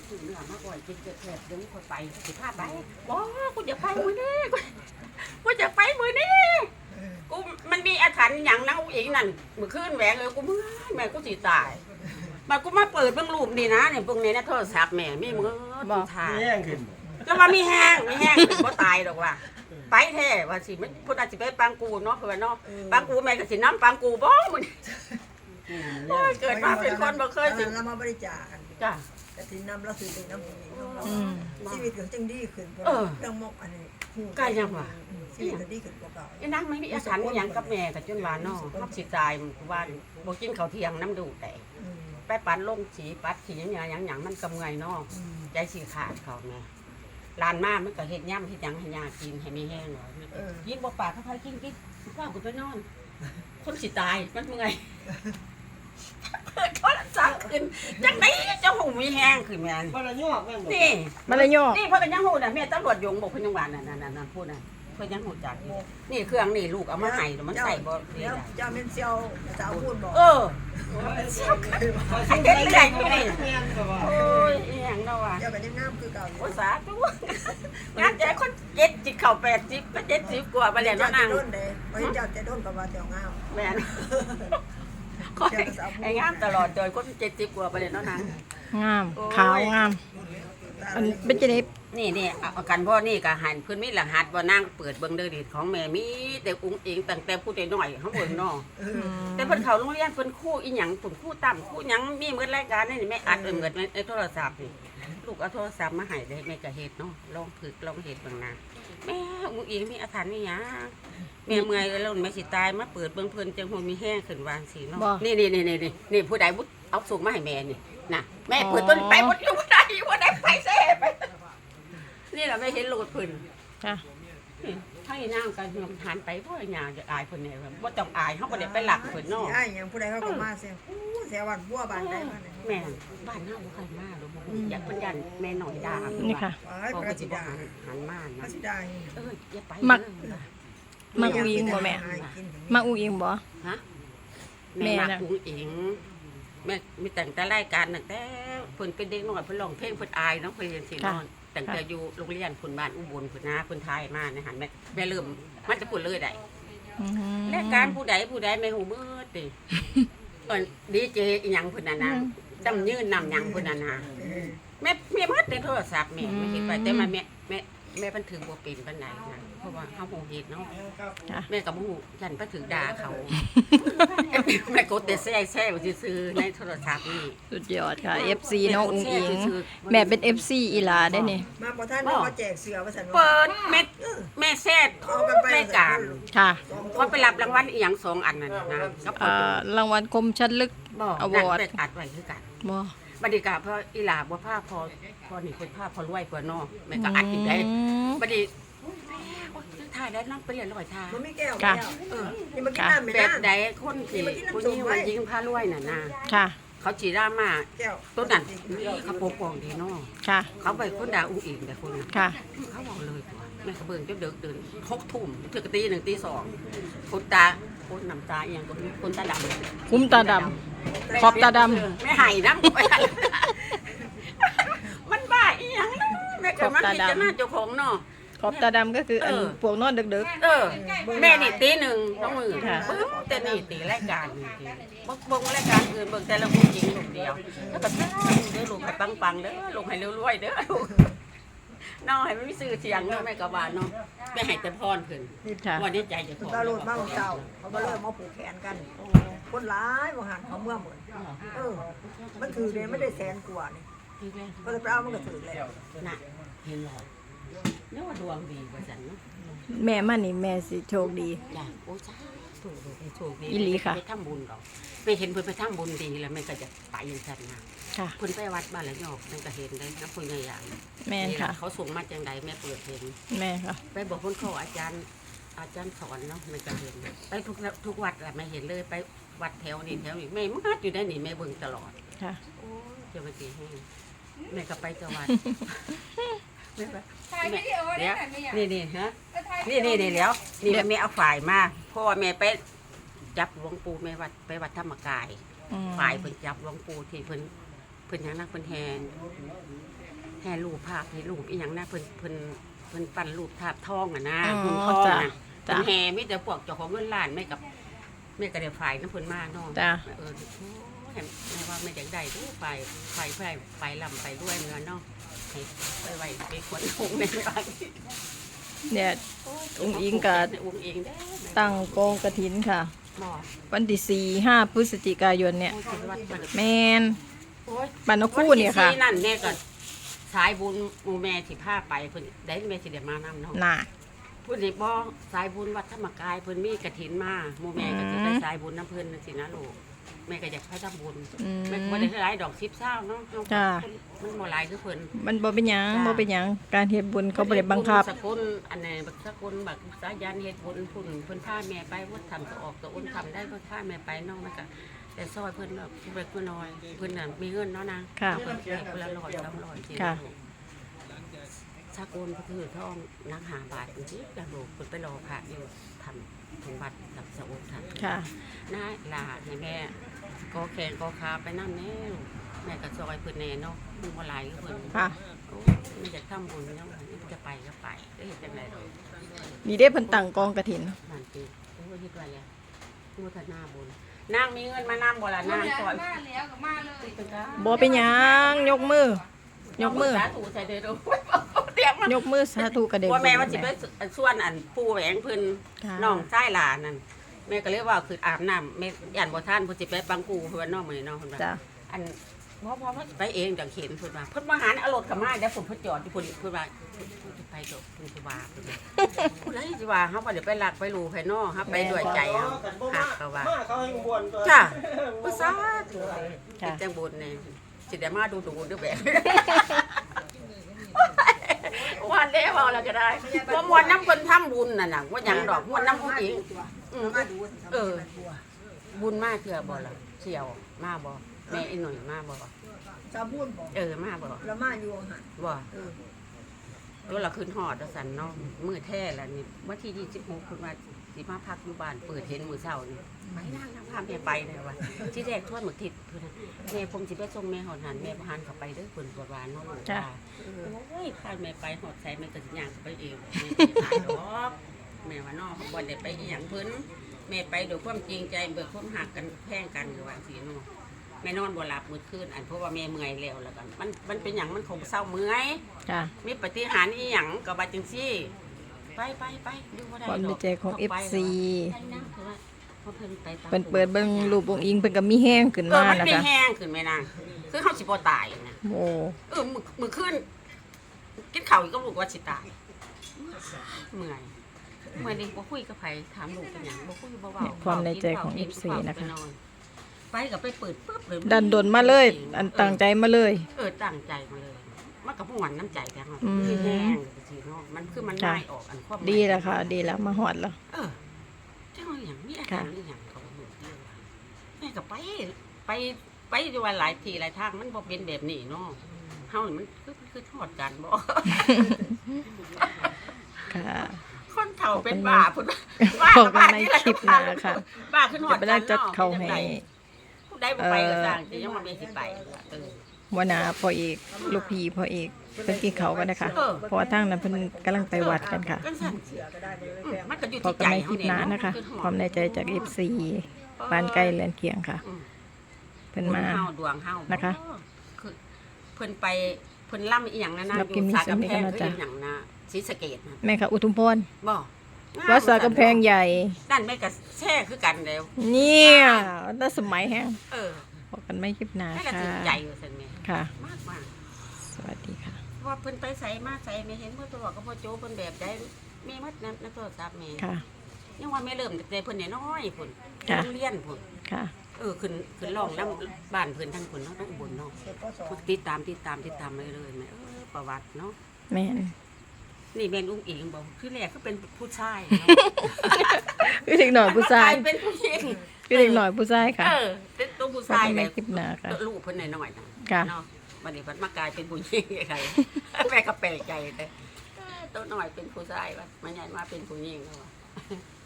ซื้อเนื้อมาก่อนกินเกิดแผลเดี๋ยวคนไปสิพาไปว้ากูจะไปมื้อนี้กูจะไปมื้อนี้กูมันมีอาถรรพ์อย่างนั้นอีกนั่นมื้อคืนแหวงเลยกูมึงแม่กูสิตายมากูมาเปิดเบิ่งรูปนี่นะเนี่ยพวกนี้นะโทรศัพท์แม่มีมือบ่ถ่ายแย่งขึ้นแล้วว่ามีแห้งบ่ตายดอกว่าไปแท้ว่าสิมันพุ่นอาจสิไปปังกูเนาะเพิ่นเนาะปังกูแม่ก็สินำปังกูบ่มื้อนี้โอ้ยเกิดมาเป็นคนบ่เคยสิเรามาบริจาคกันจ้ะแต่ที่นำเราซื้อเป็นน้ำผู้หญิงของเราชีวิตก็จังดีขึ้นเรื่องมกอันนี้ชีวิตก็ดีขึ้นกว่าเก่าอีนางไม่มีอาถรรพ์อิหยังกับแม่ก็จนว่าเนาะเฮาสิตายว่าบ่กินข้าวเที่ยงน้ำดูแต่ไปปัดลงสีปัดสีหยังมันกำไงเนาะใจสิขาดเขาแม่ลานมามันก็เฮ็ดย่ำเฮ็ดหยังให้ยากินให้มีแห้งหน่อยกินบ่ปากค่อยๆกินว่ากูไปนอนคนสิตายมันเมื่อยเปิดโทรศัพท์ขึ้นจังได๋เจ้าหูมีแห้งขึ้นแม่นมันละยอกแม่นบ่นี่มันเลยย่อนี่เพิ่นก็ยังฮู้น่ะแม่ตำรวจยงบอกเพิ่นยังว่านั่นพูดน่ะเพิ่นยังฮู้จักอยู่นี่เครื่องนี่ลูกเอามาให้มันใส่บ่ดีแล้วล่ะเจ้าเม่นเซียวจะเอาพูดบอกเออไอ้เฮ็ดเรื่อยอยู่นี่แม่นก็ว่าโอ้ยอีหยังเนาะว่ะเจ้าก็ยังงามคือเก่าอยู่โอ้สาธุงานใจคน70เข้า80ก็70กว่าบ่แล้วเนาะนางด้นเด้บ่เห็นเจ้าจะด้นก็ว่าเจ้างามแม่นไอ้งามตลอดจอยคน70กว่าบ่แล้วเนาะนางงามขาวงามอันเป็นจังได๋นี่เอากันพ่อนี่ก็หันเพิ่นมีรหัสบ่นางเปิดเบิ่งเด้อดิของแม่มีแต่อุ้งอิงตั้งแต่ผู้น้อยๆเฮาเบิ่งเนาะ แต่เพิ่นเข้าโรงเรียนเพิ่นครูอีหยังเพิ่นครูต่ำครูหยังมีหมดรายการนี่แม่อัดหมดในโทรศัพท์นี่ลูกเอาโทรศัพท์มาให้เลยแม่ก็เฮ็ดเนาะลองฝึกลองเฮ็ดเบิ่งนะแม่อุ้งอิงมีอาถรรพ์นี่หยังแม่เมื่อยแล้วแม่สิตายมาเปิดเบิ่งเพิ่นจังฮู้มีแห้งขึ้นวางสิเนาะนี่ผู้ใดบุเอาส่งมาให้แม่นี่น่ะแม่เปิดต้นไปบ่อยู่บ่ได้ไปแซ่ไปนี่ล่ะแม่เห็นโลดเพิ่นจ้ะให้นางกันหันไปเพราะหยังจะอายเพิ่นแน่บ่ต้องอายเฮาบ่ได้ไปหลักเพิ่นเนาะไอ้ยังผู้ใดเขาก็มาเสียเสียวันบัวบานได้มาเนี่ยแม่บ้านเฮาบ่เคยมาหรอกอยากเพิ่นยันแม่หน่อยด่านี่ค่ะไอ้บอกประว่าสิสิบ่ดาหันมาปนะระสิดาอย่าไปมักอุ้งอิงบ่แม่มักอุ้งอิงบ่ฮะแม่แม่น่ะมักอุ้งอิงแม่มีแต่งแต่รายการตั้งแต่เพิ่นเป็นเด็กน้อยเพิ่นร้องเพลงเพิ่นอายเนาะเพิ่นเรียนสิเนาะตั้งแต่อยู่โรงเรียนเพิ่นบ้านอุบลเพิ่นนาเพิ่นทายมาในหันแม่เริ่มมันจะพูดเลยได้อืมรายการผู้ใดแม่หูมืดติดีเจอีหยังพุ่นน่ะนะดำยืนนำหยังพุ่นน่ะนะแม่มัดในโทรศัพท์แม่ไม่เห็นไปแต่มาแม่เพิ่นถือบ่เป็นปานใดนะเพราะว่าเฮาบ่เฮ็ดเนาะแม่ก็บ่ฮู้ฉันไปถือด่าเขาแม่กดแต่แซ่ๆซื่อๆในโทรศัพท์นี่สุดยอดค่ะ FC น้องอุ้งอิงแม่เป็น FC อีหลาได้นี่มาพอท่านมาแจกเสือว่าสันเปิดแม่แซ่ทุกรายการค่ะว่าไปรับรางวัลอีหยัง2อันนั่นนะกับรางวัลคมชัดลึกบ่อวอร์ดนั่นเป็นอัดไว้คือกันบ่บัดนี้ก็พออีหลาบ่พาพอนี่เพิ่นพาพอรวยกว่าเนาะแม่ก็อัดอีกได้บัดนี้โอ๊ยถ่ายได้นำไปเรียนร้อยท่ามันไม่แก้วนี่มากินน้ำไม่แบได้บใดคนที่ผู้นี้ว่ายิงพารวยน่ะนะค่ะเขาจีรามาแก้วต้นนั้นเขาปกป้องดีเนาะค่ะเขาไปคนด่าอุ้งอิงแต่คนนั้นค่ะเขาบอกเลยว่าแม่เขาเบิ่งจนเดิน6 ทุ่มถึงตี 1 ตี 2คนตาคนน้ำตาอีหยังคนตาดำคุ้มตาดำขอบตาดำไม่ให้น้ำมันบ้าอีหยังนะแม่ก็มันพิจารณาเจ้าของเนาะขอบตาดำก็คืออันพวกนอนดึกแม่นี่ตี 1น้องมือค่ะปึ๊บแต่นี่ตีรายการนี่ตีเบิ่งรายการอื่นเบิ่งแต่ละผู้หญิงลูกเดียวแล้วก็เด้อลูกให้ปังๆเด้อลูกให้รวยๆเด้อลูกน้องให้มันมีชื่อเสียงเนาะแม่ก็ว่าเนาะแม่ให้แต่พรเพิ่นๆค่ะว่าในใจเจ้าของตาโลดมาเก่าเขาก็เริ่มมาผูกแขนกันคนร้ายบางหันเขาเมื่อหมดมันถือเลยไม่ได้แสนกว่านี่ก็จะไปเอามันก็ถือแล้วน่ะเห็นหรอนึกว่าดวงดีว่าซั่นเนาะแม่มานี่แม่สิโชคดีจ้ะโอ้จ้าถูกเลยโชคดีอีหลีค่ะไปทำบุญดอกไปเห็นเพิ่นไปทำบุญดีแล้วแม่ก็จะไปอย่างซั่นนะค่ะเพิ่นไปวัดบ้านละยอกแม่ก็เห็นได้นะเพิ่นใหญ่อย่างแม่นค่ะเขาส่งมาจังใดแม่เปิดเห็นแม่ค่ะไปบอกคนเขาอาจารย์สอนเนาะแม่ก็เห็นไปทุกวัดแหละแม่เห็นเลยไปวัดแถวนี้แถวนี้แม่มาอยู่ได้นี่แม่เบิ่งตลอดค่ะโอ้ยเจ้าไปตีให้แม่ก็ไปจังหวัดแม่ไปถ่ายวิดีโอได้ไหมไม่อยากนี่ฮะนี่แล้วนี่แม่เอาฝ่ายมาเพราะว่าแม่ไปจับหลวงปู่แม่วัดไปวัดธรรมกายอืมฝ่ายเพิ่นจับหลวงปู่ที่เพิ่นเพิ่นหยังนะเพิ่นแห่รูปภาพให้รูปอีหยังนะเพิ่นปั้นรูปภาพทองอ่ะนะอ๋อหุ่นทองจ้ะน่ะจ้ะเพิ่นแห่มีแต่พวกเจ้าของเงินล้านไม่กับแม่ก็ได้ฝ่ายน้ำเพิ่นมาเนาะจ้ะโอ้แม่ว่าไม่อยากได้ทุกฝ่ายลำไปด้วยเงินเนาะให้ไปไว้ไปขวนถุงในบ้านเนี่ยอุ้งอิงก็อุ้งอิงได้ตั้งกองกฐินค่ะบ่วันที่4-5 พฤศจิกายนเนี่ยโอ้ยวัดมันแมนโอ้ยบ้านนกคู่เนี่ยค่ะวัที่4นั่นแม่ก็สายบุญหมู่แม่สิพาไปเพิ่นได้แม่สิได้มานำเนาะน่ะเพิ่นสิบ่สายบุญวัดธรรมกายเพิ่นมีกฐินมาหมู่แม่ก็จะได้สายบุญน้ำเพิ่นจังซี่นะลูกแม่ก็อยากให้ทำบุญอืมแม่ก็บ่ได้หลายดอก10เช้าเนาะจ้ะมันบ่หลายคือเพิ่นมันบ่เป็นหยังจ้ะบ่เป็นหยังการเฮ็ดบุญเขาบ่ได้บังคับสกุลอันไหนบักสกุลบักสายันเฮ็ดบุญพุ่นเพิ่นพาแม่ไปวัดทำตัวออกตัวอ้นทำได้เพิ่นพาแม่ไปน้องมันก็แต่ซอยเพิ่นแบบเล็กน้อยเพิ่นน่ะมีเงินเนาะนางค่ะเพิ่นให้คนละ100 200สิค่ะสกุลก็คือทองนัก5 บาทจังซี่แล้วลูกเพิ่นไปรอพระอยู่ทำถึงวัดกับสะโอนทำค่ะน้าลาให้แม่ก็แขนก็ขาไปนำแน่ลูกแม่ก็ซอยเพิ่นแน่เนาะมันบ่หลายคือเพิ่นค่ะโอ้ไม่อยากทำบุญเนาะจะไปก็ไปได้เห็นจังไดดอกนี่เด้เพิ่นตั้งกองกฐินมันปีโอ้ยคิดว่าแล้วมูทนาบุญนางมีเงินมานำบ่ล่ะนางซอยมาแล้วก็มาเลยบ่เป็นหยังยกมือ ยกมือสาธุใส่เด้อดูเตรียมมายกมือสาธุกระเด็นว่าแม่ว่าสิไปส่วนอันปู่แหวงเพิ่นค่ะน้องชายหลานนั่นแม่ก็เลยว่าคืออาบน้ำแม่ย่านบ่ทันเพิ่นสิไปปังกูเพิ่นว่าน้องมื้อนี้น้องเพิ่นว่าจ้ะอันพ่อเพิ่นสิไปเองจังเข็นเพิ่นว่าเพิ่นมาหาเอารถกลับมาเดี๋ยวผมเพิ่นจอดอยู่พุ่นเพิ่นว่าเพิ่นสิไปดอกเพิ่นสิว่าเพิ่นว่าผู้ใดสิว่าเฮาบ่ได้ไปลักไปลูไผเนาะเฮาไปด้วยใจเฮาหักเขาว่าเขาให้บวนจ้ะบ่ซาธุค่ะจังบุญนี่สิได้มาดูเด้อแบบวันเด้เว้าแล้วก็ได้บ่ม่วนนำเพิ่นทำบุญนั่นน่ะว่าหยังดอกม่วนนำผู้หญิงบุญมาเทื่อบ่ล่ะเสี่ยวมาบ่แม่อีหน่อยมาบ่ชาวบุญบอกมาบ่แล้วมาอยู่หันบ่เออแล้วเราขึ้นฮอดว่าซั่นเนาะมื้อแท้แล้วนี่วันที่26เพิ่นว่าสิมาพักอยู่บ้านเปิดเห็นมื้อเช้านี่ไปนั่งพาแม่ไปเลยว่าที่แรกทวนหมึกทิศเพิ่นน่ะแม่ผมสิไปส่งแม่ฮอดหันแม่บ่หันเข้าไปเด้อเพิ่นบ่ว่าเนาะลูกจ้ะว่าโอ้ยพาแม่ไปฮอดไสแม่ก็สิย่างเข้าไปเองแม่สิหาดอกแม่ว่าเนาะบ่ได้ไปอีหยังเพิ่นแม่ไปด้วยความจริงใจเบิกความหักกันแพงกันคือว่าสิเนาะแม่นอนบ่หลับมื้อคืนอันเพราะว่าแม่เมื่อยแล้วกันมันเป็นหยังมันคงเศร้าเมื่อยจ้ะมีปฏิหารย์อีหยังก็ว่าจังซี่ไปอยู่บ่ได้ความดดีอกใจของ FC เพราะเพิ่นไปตามเพิ่นเปิดเบิ่งรูปองค์อิงเพิ่นก็มีแห้งขึ้นเออมามันนะไม่คะแห้งขึ้นแม่นางคือเฮาสิบ่ตายนะโอ้มื้อคืนกินข้าวอีกก็ลูกว่าสิตายเมื่อยนี่บ่คุยกับไผถามลูกเป็นหยังบ่คุยบ่เว้าความในใจของ FC นะคะไปก็ไปเปิดปึ๊บเลยดันดนมาเลย อันตั้งใจมาเลยตั้งใจมาเลยมันก็ม่วนน้ำใจกันเนาะอืมคือแห้งสิเนาะมันคือมันจ้ะง่ายออกอันความหมายดีแล้วค่ะ ดีแล้วมาฮอดแล้วเจ้าอย่างมีอาการอีหยังเขาบอกเดียวว่าแม่ก็ไปอยู่ว่าหลายทีหลายทางมันบ่เป็นแบบนี้เนาะเฮานี่มันคือทอดกันบ่ค่ะคนเฒ่าเป็นบ้าพุ่นพบกันในคลิปหน้าค่ะบ้าขึ้นฮอจะดไปกัได้นจัดเนาะเขาให้ผู้ใดบ่ไปก็สร้างสิยังมาเมสิไปเออหัวหน้าพ่อเอกลูกพี่พ่อเอกเพิ่นกินเขาวกันนะคะเออเพราะว่าทางนั้นเพิ่นกำลังไปวัดกันค่ะจังซั่นเสือก็ได้เลยแพงมันก็อยู่พบที่กัใจนในคลิปหน้านะคะความในใจจาก FC ปานใกล้เรือนเคียงค่ะ เพิ่นมาเฮาดวงเฮานะคะคือเพิ่นไปเพิ่นล่ำอีหยังนะรับกินมีสาเสียงกำนี่แพก็งน่าคือจะอีหยังนะศรีสะเกษนะแม่ค่ะอุทุมพรบ่วัดสากำแพงใหญ่นั่นแม่ก็แช่คือกันแล้วเนี่ยน่าสมัยแฮงเออพบกันไม่คลิปหน้าแม่ก็ค่ะถึงใจว่าซั่นแม่ค่ะมากสวัสดีค่ะๆว่าเพิ่นไปไสมาไสแม่เห็นเพิ่นบอกกับพ่อโจเพิ่นแบบใดมีมัดในโทรศัพท์แม่ค่ะยังว่าแม่เริ่มตั้งแต่เพิ่นน้อยๆพุ่นค่ะโรงเรียนพุ่นค่ะขึ้นร้องนำบ้านเพิ่นทั้งพุ่นเนาะต้องอุบลเนาะเสร็จก็สอนติดตามไปเลยแม่ประวัติเนาะแม่นนี่แม่นอุ้งอิงบอกคือแรกก็เป็นผู้ชายเนาะคือเด็กหน่อยผู้ชายเป็นผู้หญิงคือเด็กหน่อยผู้ชายค่ะเป็นตัวผู้พบชายกันเลในยคลิปหน้าค่ะลูกเพิ่นหน่อยๆนะค่ะเนาะวันนี้เพิ่นมากลายเป็นผู้หญิงไงแม่ก็แปลกใจเลยตัวหน่อยเป็นผู้ชายวะมันใหญ่มาเป็นผู้หญิงแล้ววะ